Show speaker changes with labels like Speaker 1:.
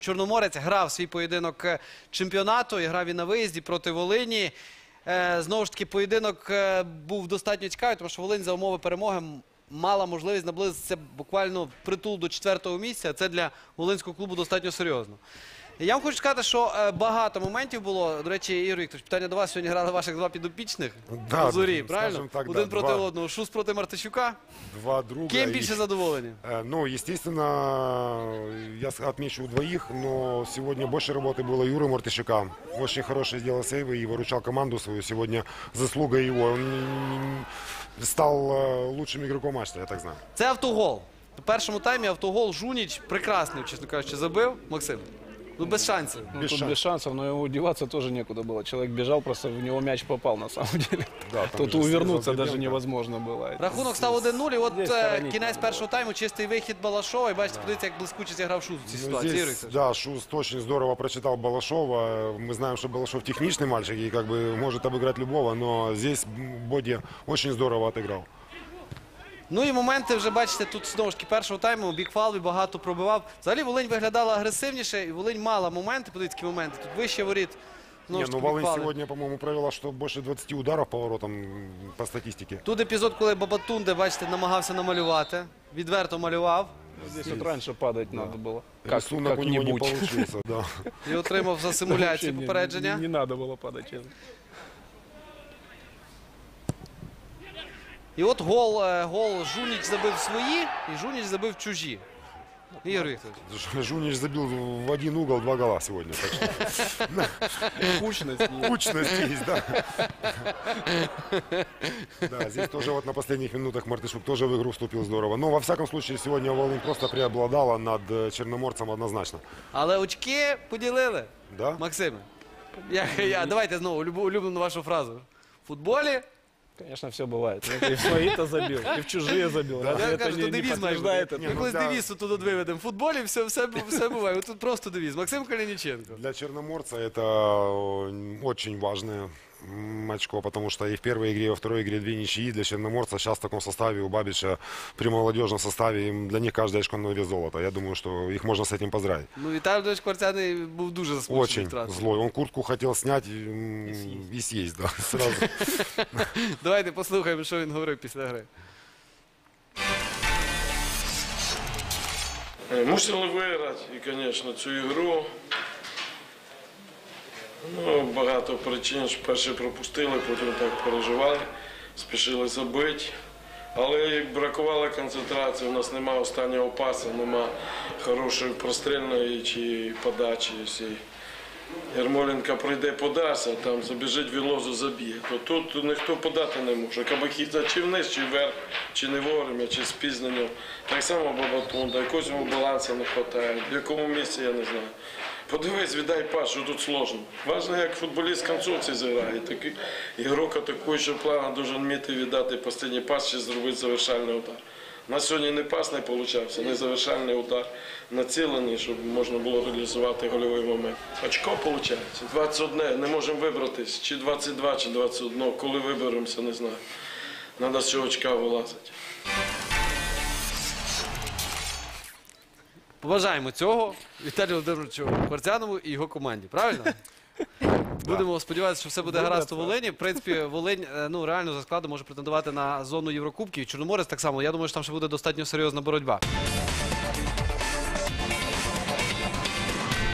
Speaker 1: Чорноморець грав свій поєдинок чемпіонату і грав і на виїзді проти Волині. Знову ж таки, поєдинок був достатньо цікавий, тому що Волинь за умови перемоги мала можливість наблизитися буквально впритул до 4-го місця. Це для волинського клубу достатньо серйозно. Я вам хочу сказати, що багато моментів було. До речі, Ігор Вікторович, питання до вас. Сьогодні грали ваших два підопічних у Зорі, правильно?
Speaker 2: Так,
Speaker 1: один проти одного. Шус проти Мартищука.
Speaker 2: Два друга.
Speaker 1: Кем більше задоволені?
Speaker 2: Ну, естественно, я отмечу двоих, но сегодня больше работы было Юры Мартищука. Очень хороший сделал сейвы и выручал команду свою. Сегодня заслуга его. Он стал лучшим игроком матча, я так знаю.
Speaker 1: Це автогол. У першому таймі автогол Жуніч прекрасний, чесно кажучи, забив. Максим? Ну, без шансів.
Speaker 3: Ну, тут без шансов, но ему деваться тоже некуда было. Человек бежал, просто в него мяч попал на самом деле.
Speaker 2: Да,
Speaker 3: тут увернуться даже невозможно было.
Speaker 1: Рахунок став 1-0, і от кінець першого тайму, чистий вихід Балашова. І бачите, подивіться, як блискуче зіграв Шус у цій ситуації.
Speaker 2: Да, Шуст очень здорово прочитал Балашова. Мы знаем, что Балашов техничный мальчик и как бы может обыграть любого, но здесь Боді очень здорово отыграл.
Speaker 1: Ну і моменти вже, бачите, тут знову ж таки першого тайму Бікфалві багато пробивав. Взагалі Волинь виглядала агресивніше, і Волинь мала моменти, подивіться, які моменти. Тут вище воріт.
Speaker 2: Не, ну Волынь сегодня, по-моему, провела, что больше 20 ударов по воротам по статистике.
Speaker 1: Тут епізод, коли Бабатунде, бачите, намагався намалювати. Відверто малював.
Speaker 3: Здесь вот раньше падать надо было.
Speaker 2: Рисунок у него не
Speaker 3: Как-нибудь.
Speaker 2: получился, да.
Speaker 1: І отримав за симуляцію
Speaker 3: Вообще
Speaker 1: попередження.
Speaker 3: Не надо было падать, честно.
Speaker 1: І от гол Жуніч забив свої, і Жуніч забив чужі. Ігор Вікторович.
Speaker 2: Жунич забил в один угол 2 гола сегодня. Так что...
Speaker 3: Кучность.
Speaker 2: Кучность есть, да. Да, здесь тоже вот на последних минутах Мартышук тоже в игру вступил здорово. Но во всяком случае сегодня Волынь просто преобладала над Черноморцем однозначно.
Speaker 1: Але очки поділили.
Speaker 2: Да?
Speaker 1: Максиме, давайте знову улюблену вашу фразу. В футболі...
Speaker 3: Конечно, все бывает. И в свои-то забил, и в чужие забил.
Speaker 1: Я
Speaker 3: Разве
Speaker 1: кажу,
Speaker 3: это
Speaker 1: то
Speaker 3: не
Speaker 1: девіз має
Speaker 3: подтверждает
Speaker 1: бути.
Speaker 3: это?
Speaker 1: Ми колись девіз тут виведемо. В футболі все буває. Тут просто девіз. Максим Калініченко.
Speaker 2: Для Черноморца это очень важное очко, потому что и в первой игре, и во второй игре 2 ничьи. Для Черноморца сейчас в таком составе у Бабича, при молодежном составе, для них каждое очко на вес золота. Я думаю, что их можно с этим поздравить.
Speaker 1: Ну, Віталій Володимирович Кварцяний був дуже засмучений
Speaker 2: Очень
Speaker 1: втратою.
Speaker 2: злой. Он куртку хотел снять и съесть, да, сразу.
Speaker 1: Давайте послухаємо, що він говорив після гри.
Speaker 4: Мусили виграти, і, звісно, цю ігру. Ну, багато причин, що перші пропустили, потім так переживали, спішили забити. Але бракувало концентрації, у нас немає останнього пасу, немає хорошої прострільної чи подачі. Якщо Ярмоленко прийде подасть, а там забіжить Вілозу, заб'є, то тут ніхто подати не може. Кабакіта чи вниз, чи вверх, чи не вовремя, чи з пізненням. Так само Бабатунда, якогось йому балансу не вистачає, в якому місці, я не знаю. Подивись, віддай пас, що тут складно. Важно, як футболіст концовці зіграє. Такий ігрок атакуючого плану має вміти віддати останній пас чи зробити завершальний удар. У нас сьогодні не пас не вийшов, не завершальний удар націлений, щоб можна було реалізувати гольовий момент. Очко виходить. 21, не можемо вибратись, чи 22, чи 21. Коли виберемося, не знаю. Треба з цього очка вилазити.
Speaker 1: Побажаємо цього Віталію Володимировичу Кварцянову і його команді. Правильно? Будемо сподіватися, що все буде гаразд у Волині. В принципі, Волинь реально за складом може претендувати на зону Єврокубків. Чорноморець так само. Я думаю, що там ще буде достатньо серйозна боротьба.